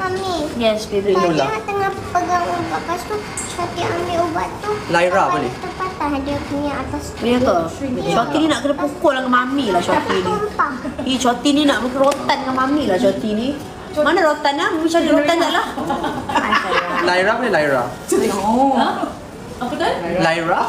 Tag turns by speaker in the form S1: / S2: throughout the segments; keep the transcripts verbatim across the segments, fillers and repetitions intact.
S1: Mami.
S2: Yes, baby.
S1: Tadi
S3: Lola.
S1: yang tengah pegang ubat, lepas tu Syati ambil ubat tu.
S3: Lyra
S1: lepas
S3: boleh?
S1: tu Terpatah dia punya atas.
S2: Punya ke? Shoti ni nak kena pukul dengan mami lah Shoti ni.
S1: Tumpah.
S2: Hi, Shoti ni nak rotan dengan mami lah Shoti ni. Mana rotan lah? Mami cari rotan tak lah.
S3: Lyra boleh Lyra?
S4: Oh. Apa tu?
S3: Lyra?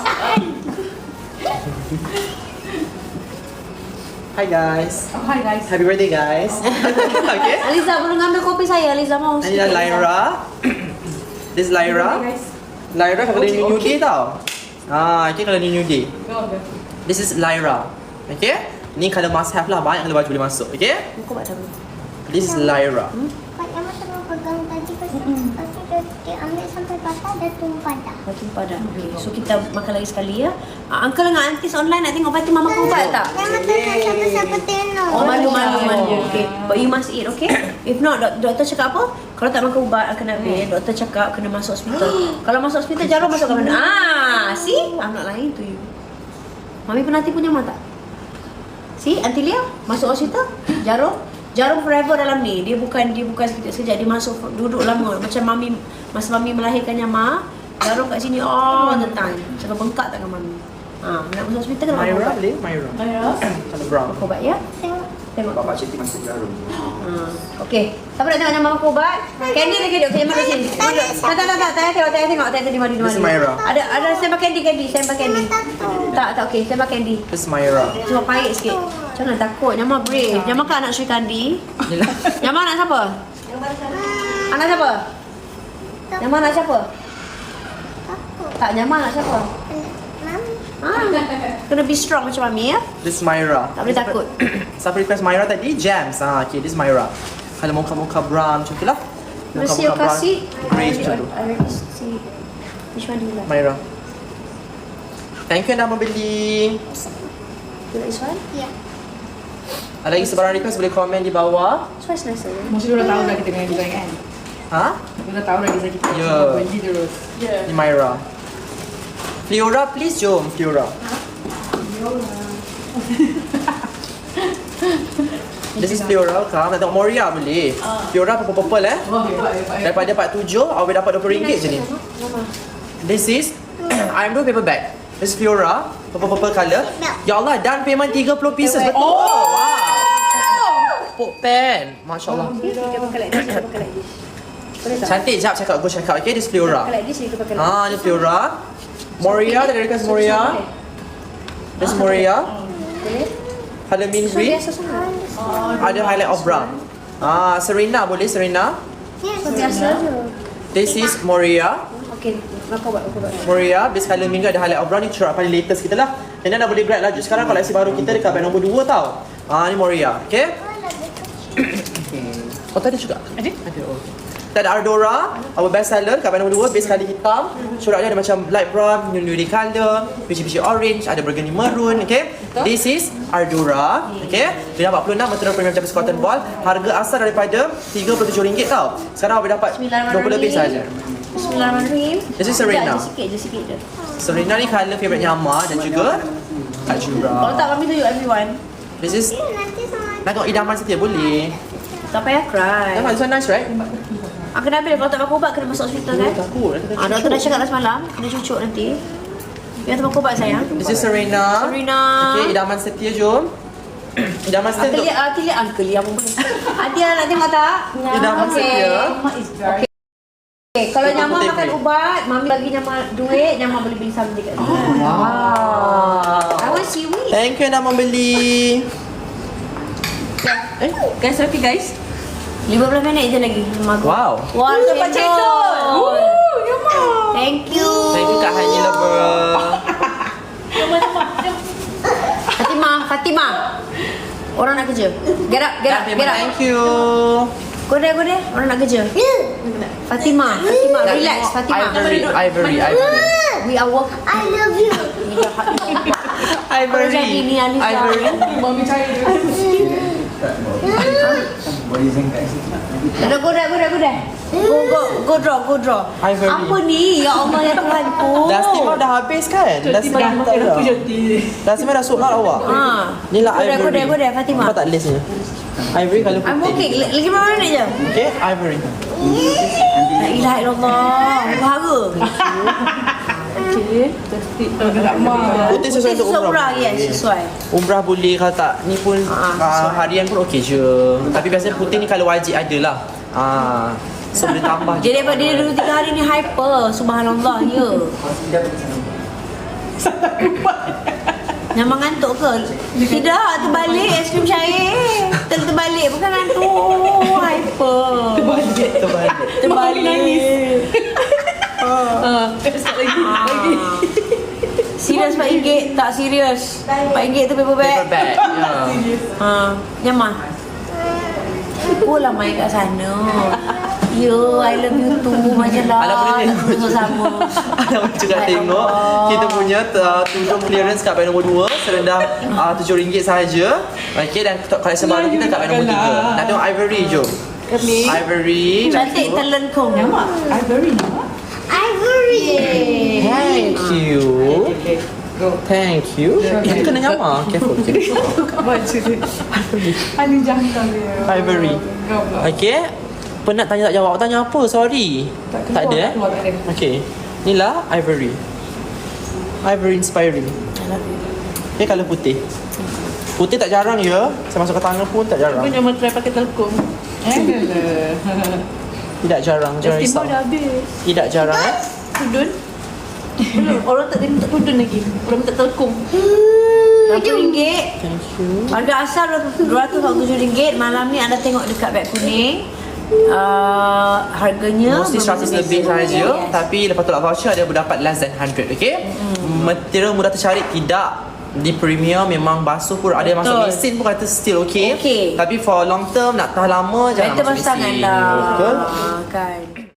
S3: Hi guys.
S4: Oh, hi guys.
S3: Happy birthday guys. Okay.
S2: Aliza belum ngambil kopi saya. Aliza mau.
S3: Ini adalah Lyra. This is Lyra.
S4: Hi guys.
S3: Lyra kalau
S4: Okay,
S3: okay, new
S4: okay.
S3: day tau. Ah, okay kalau ni new day.
S4: Go, go.
S3: This is Lyra. Okay? Ni kalau must have lah, banyak kalau baju boleh masuk. Okay?
S2: Kau buat dulu.
S3: This is Lyra.
S1: Pak Yaman tengah pegang tadi. Lepas tu, lepas tu dia, dia ambil sampai patah, dia tumpah dah.
S2: Batu padat. Okay. So kita makan lagi sekali ya. Uh, Uncle dengan aunties online nak tengok Fatimah makan ubat tak?
S1: Yaman tengah siapa-siapa tengok.
S2: Oh, malu, malu, malu. Okay. But you must eat, okay? If not, dok- doktor cakap apa? Kalau tak makan ubat, akan habis. Doktor cakap kena masuk hospital. Kalau masuk hospital, jarum masuk ke mana? Ah, see? I'm not lying to you. Mami pernah tipu nyaman tak? See, Auntie Lia masuk hospital, jarum. Jarum forever dalam ni. Dia bukan dia bukan sekejap-sekejap. Dia masuk duduk lama. Macam mami, masa mami melahirkan Nyama, jarum kat sini all the time. Sampai bengkak tak dengan mami. Ha, nak masuk hospital kena makan
S3: Myra
S2: ubat.
S3: boleh? Myra.
S4: Myra.
S3: Kalau brown.
S2: Makan ubat ya?
S1: Tengok.
S2: Tengok.
S5: Bapak Cik masuk jarum.
S2: Ha. Okey. Siapa nak tengok Nyama makan ubat? Candy lagi duduk. Okey, mana sini? Tak, tak, tak, tak. Tengok, tengok, tengok. Tengok, tengok. Di mana, di
S3: This is
S2: mana.
S3: Myra.
S2: Ada, ada. Saya pakai candy, candy. Saya pakai candy. Tak, tak. Okey, saya pakai candy.
S3: This is Myra.
S2: Cuma pahit sikit. Jangan takut. Nyama brave. Nyama kan anak Sri Kandi. Nyama anak siapa? Anak siapa? Nyama anak siapa?
S1: Takut.
S2: Tak, Nyama anak siapa?
S1: Mami.
S2: Ha. Kena be strong macam mami ya.
S3: This is Myra.
S2: Tak boleh takut.
S3: Siapa request Myra tadi? Jams. Ah, okay, this is Myra. Kalau muka-muka brown macam tu lah.
S2: Mesti you kasih.
S3: Grey macam tu.
S2: I already see. Which one do you like?
S3: Myra. Thank you yang dah membeli.
S2: You like this one?
S1: Ya.
S3: Ada lagi sebarang request boleh komen di bawah.
S2: This one's nicer. Yeah?
S4: Mesti dia dah tahu dah kita dengan design kan?
S3: Ha?
S4: Dia dah tahu dah design kita.
S3: Ya.
S4: Benji terus. Ya.
S3: Ni Myra. Fiora, please jom Fiora. This is Fiora, Kak. Nak tengok Moria boleh. Fiora purple-purple eh.
S4: Wah, hebat, hebat.
S3: Daripada empat puluh tujuh, awak dapat dua puluh ringgit je ni. This is I am doing paper bag. This is Fiora, purple-purple colour. Ya Allah, down payment tiga puluh pieces. Betul. Oh, wow. Pop pen. Masya Allah.
S2: Kita pakai like this, kita pakai like this. Boleh tak?
S3: Cantik, jap check out. Go check out. Okay, this is Fiora.
S2: Pakai like this, kita pakai like
S3: Ah, ni Fiora. Moria, tadi request Moria. This is Moria.
S2: Boleh?
S3: Colour mint
S2: So
S3: green.
S2: biasa sangat.
S3: Ada highlight of brown. Ah, Serena boleh Serena.
S2: So biasa je.
S3: This is Moria.
S2: Okay, makan buat, makan buat.
S3: Moria, base colour mint ada highlight of brown ni cerah paling latest kita lah. Dan dah boleh grab laju. Sekarang koleksi baru kita dekat bag nombor dua tau. Ah, ni Moria. Okay? Oh, tadi juga?
S4: Ada?
S3: Ada, oh, okay. Kita ada Ardora, our best seller kat bag nombor dua, base colour hitam. Coraknya ada macam light brown, nuri colour, biji-biji orange, ada burgundy maroon, okay? This is Ardora, okay? Dia empat puluh enam material premium Japanese cotton ball. Harga asal daripada tiga puluh tujuh ringgit tau. Sekarang awak dapat dua puluh lebih saja.
S2: Bismillahirrahmanirrahim.
S3: This is Serena.
S2: Sekejap je sikit je, sikit je.
S3: Serena ni colour favourite Nyama dan juga Kak Jura.
S2: Kalau tak, kami tunjuk everyone.
S3: This is,
S1: Nanti sama
S3: nak tengok idaman setia boleh.
S2: Tak payah cry.
S3: Nampak this one nice right?
S2: Ah, kena ambil. Kalau tak makan ubat, kena masuk hospital kan?
S3: Takut.
S2: Ah, doktor dah cakap dah semalam, kena cucuk nanti. Biar tu makan ubat sayang.
S3: This is Serena.
S2: Serena.
S3: Okay, idaman setia jom. Idaman setia
S2: Uncle
S3: untuk
S2: Lia, Uncle Lia, Uncle Lia pun boleh. Adia nak tengok tak?
S3: idaman setia.
S4: Mama is very...
S2: Okay, kalau
S3: Itu
S2: Nyama
S3: putih
S2: makan
S3: free.
S2: ubat, Mami bagi Nyama duit, Nyama boleh beli something kat sini.
S3: Wow.
S2: I want seaweed.
S3: Thank you yang dah membeli.
S2: Eh, guys, okay guys. lima belas minit je lagi. Mago.
S3: Wow.
S2: Wah,
S4: Oh, dapat cendol. Woo, Nyama.
S2: Thank you.
S3: Thank you Kak Hani Lover.
S2: Fatimah, Fatimah. Orang nak kerja. Get up, get up, get up.
S3: Thank you.
S2: Go there, go there. Orang nak kerja. Fatimah, Fatimah, relax. Fatimah.
S3: Ivory, Ivory, Ivory.
S2: We are work.
S1: I love you.
S3: Ivory.
S2: jadi ni, Alisa.
S3: Ivory.
S4: Mami cari dia.
S5: What do you think guys?
S2: Dah, go there, go there, go there. Go, go, go draw, go draw.
S3: Ivory.
S2: Apa ni? Ya Allah, ya Tuhanku.
S3: Dah steamer dah habis kan? Dah steamer dah tak ada. Dah steamer dah sold out awak.
S2: Ha.
S3: Ni lah
S2: Go there,
S3: Ivory.
S2: go there, go there, Fatimah.
S3: Nampak tak list ni? Ivory colour
S2: I'm
S3: putih.
S2: okay. L- Lagi berapa minit je?
S3: Okay, ivory.
S2: La ilaha illallah. Bahara.
S4: Okay. Testik. Tak mah.
S3: Putih sesuai untuk
S2: Sesuai
S3: umrah.
S2: umrah, yes, sesuai.
S3: Umrah boleh, kalau tak ni pun
S2: Ah,
S3: uh, harian pun okey je. Tapi biasanya putih ni kalau wajib ada lah. Ah, so boleh tambah.
S2: Jadi daripada dia dulu tiga hari ni hyper. Subhanallah, ya. Memang ngantuk ke? Tidak, terbalik aiskrim cair. Ter terbalik, bukan ngantuk. Hyper.
S4: Terbalik.
S3: Terbalik.
S2: Terbalik.
S4: Ah, start lagi. Lagi.
S2: Serius Pak Inggit? Tak serius. Pak Inggit tu paper bag.
S3: Paper bag. Ya.
S2: Ha, Nyamah. Pulang main kat sana. Yo, I love you too. Macam lah.
S3: Alah, boleh
S2: tak
S3: tengok.
S2: sama.
S3: Alam juga
S2: Baik
S3: tengok
S2: Allah.
S3: kita punya uh, tudung clearance kat beg nombor dua serendah uh, tujuh ringgit sahaja. Okey, dan koleksi baru kita kat beg nombor tiga. Nak tengok ivory, jom.
S4: Kami.
S3: Ivory.
S2: Cantik terlengkung.
S4: Nyamak. Ivory nyamak.
S1: Ivory.
S3: Thank you.
S4: Okay. Go.
S3: Thank you. Itu kena nyamar. Careful. Okay.
S4: Baca dia. Ani jangkau dia.
S3: Ivory.
S4: Go pula.
S3: Okey. Penat tanya tak jawab. Tanya apa? Sorry.
S4: Tak
S3: Tak ada eh?
S4: keluar, tak ada.
S3: Okey. Inilah ivory. Ivory inspiring. Okay, kalau putih. Putih tak jarang ya. Saya masuk ke tangan pun tak jarang.
S4: Kau jangan try pakai telkom. Eh?
S3: Tidak jarang. Jangan risau.
S4: Festival dah habis.
S3: Tidak jarang eh.
S4: Tudun? Belum. Orang tak minta tudun lagi. Orang minta telkom.
S2: Berapa ringgit?
S3: Thank you.
S2: Harga asal dua ratus empat puluh tujuh ringgit. Malam ni anda tengok dekat beg kuning. Uh, harganya
S3: Mostly seratus lebih sahaja. Tapi lepas tolak voucher ada berdapat less than one hundred. Okay. Material mudah tercari tidak. Di premium memang basuh pun ada yang masuk
S2: Betul.
S3: mesin pun kata still okay.
S2: Okay.
S3: Tapi for long term nak tahan lama jangan
S2: Better
S3: masuk
S2: basuh tangan
S3: mesin.
S2: lah.
S3: Betul.
S2: Kan.